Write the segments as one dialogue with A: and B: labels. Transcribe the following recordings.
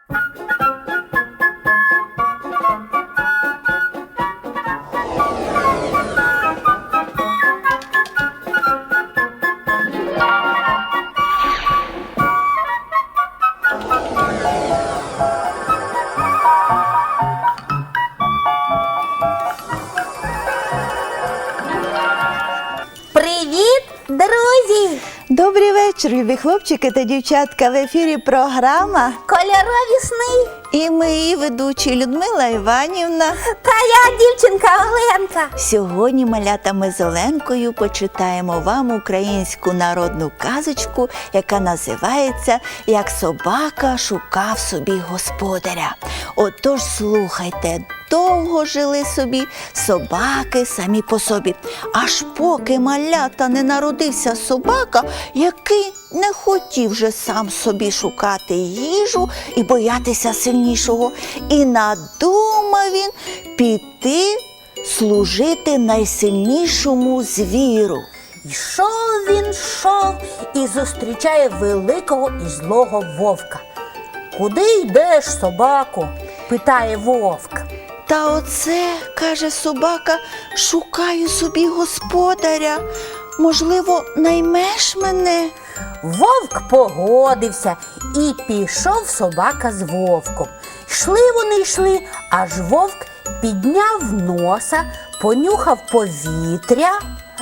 A: Привіт, друзі!
B: Добрий вечір, любі хлопчики та дівчатка. В ефірі програма
A: Кольорові сни.
B: і ми її ведучі Людмила Іванівна.
A: Та я дівчинка Оленка.
B: Сьогодні, малята, ми з Оленкою почитаємо вам українську народну казочку, яка називається «Як собака шукав собі господаря». Отож, слухайте. Довго жили собі собаки самі по собі, аж поки малята не народився собака, який не хотів же сам собі шукати їжу і боятися сильнішого. І надумав він піти служити найсильнішому звіру.
A: Йшов він, йшов і зустрічає великого і злого вовка. «Куди йдеш, собако?» – питає вовк.
B: Та оце, каже собака, шукаю собі господаря. Можливо, наймеш мене?
A: Вовк погодився і пішов собака з вовком. Йшли, аж вовк підняв носа, понюхав повітря.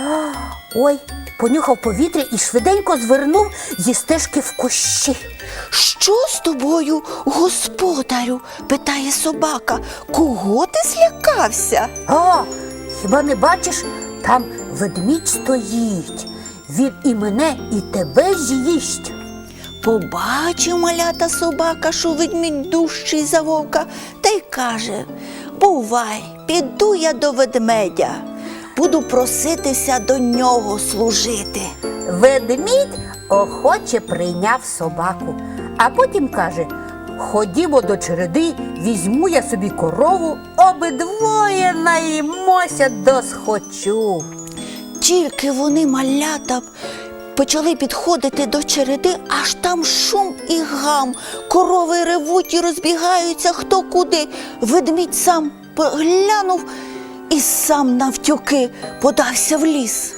A: Понюхав повітря і швиденько звернув зі стежки в кущі.
B: Що з тобою, господарю? Питає собака. Кого ти злякався?
A: Хіба не бачиш, там ведмідь стоїть. Він і мене, і тебе з'їсть.
B: Побачив малята собака, що ведмідь дужчий за вовка, та й каже: бувай, піду я до ведмедя. Буду проситися до нього служити.
A: Ведмідь охоче прийняв собаку, а потім каже: ходімо до череди, візьму я собі корову, обидвоє наїмося досхочу.
B: Тільки вони, малята, почали підходити до череди, аж там шум і гам. Корови ревуть і розбігаються хто куди. Ведмідь сам поглянув і сам навтюки подався в ліс.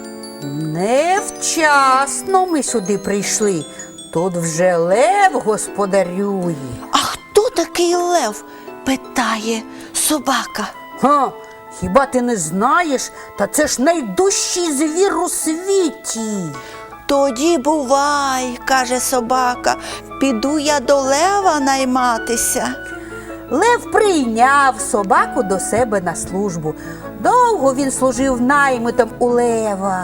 A: Невчасно ми сюди прийшли. Тут вже лев господарює.
B: А хто такий лев? Питає собака.
A: Хіба ти не знаєш? Та це ж найдужчий звір у світі.
B: Тоді бувай, каже собака, піду я до лева найматися.
A: Лев прийняв собаку до себе на службу. Довго він служив наймитом у лева.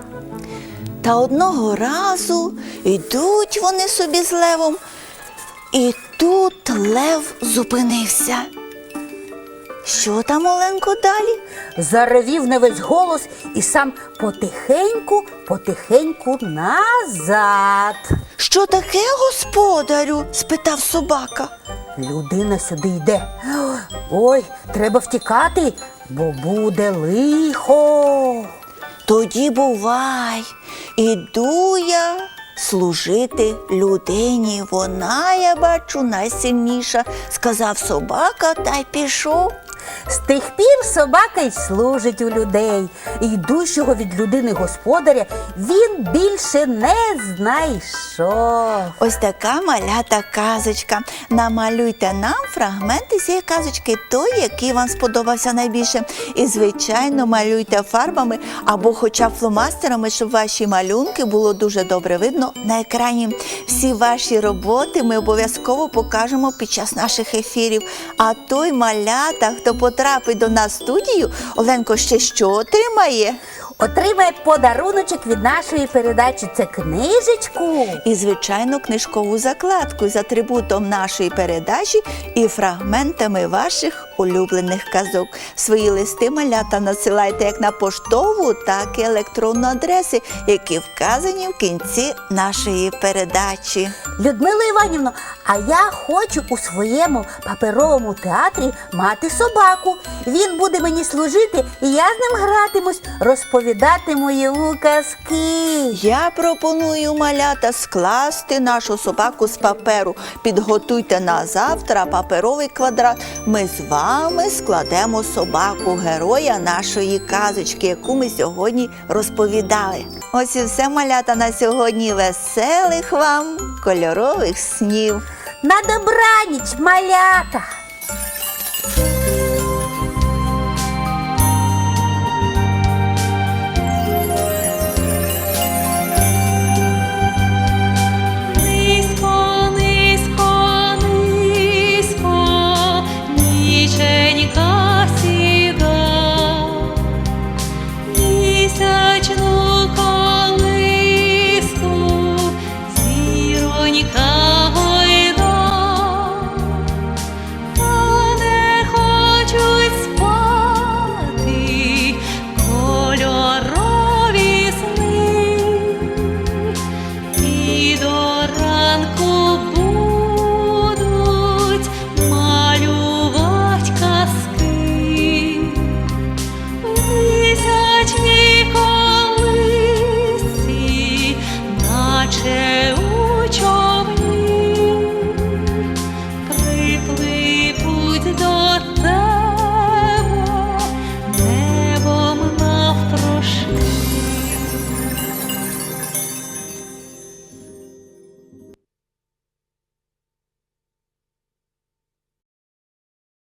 B: Та одного разу йдуть вони собі з левом, і тут лев зупинився. Що там, Оленко, далі?
A: Заревів на весь голос і сам потихеньку назад.
B: Що таке, господарю? Спитав собака.
A: Людина сюди йде. Ой, треба втікати, бо буде лихо.
B: Тоді бувай, іду я служити людині. Вона, я бачу, найсильніша, сказав собака та й пішов.
A: З тих пір собака й служить у людей. Йдущого від людини господаря він більше не знайшов.
B: Ось така малята казочка. Намалюйте нам фрагменти цієї казочки, той, який вам сподобався найбільше. І, звичайно, малюйте фарбами або хоча б фломастерами, щоб ваші малюнки було дуже добре видно на екрані. Всі ваші роботи ми обов'язково покажемо під час наших ефірів. А той малята, хто потрапить до нас в студію, Оленко, ще що отримає?
A: Отримає подаруночок від нашої передачі. Це книжечку.
B: І, звичайно, книжкову закладку з атрибутом нашої передачі і фрагментами ваших улюблених казок. Свої листи, малята, надсилайте як на поштову, так і електронну адреси, які вказані в кінці нашої передачі.
A: Людмила Іванівна, а я хочу у своєму паперовому театрі мати собаку. Він буде мені служити, і я з ним гратимусь, розповідати розповідати мої казки.
B: Я пропоную, малята, скласти нашу собаку з паперу. Підготуйте на завтра паперовий квадрат. Ми з вами складемо собаку, героя нашої казочки, яку ми сьогодні розповідали. Ось і все, малята, на сьогодні. Веселих вам кольорових снів.
A: На добраніч, малята!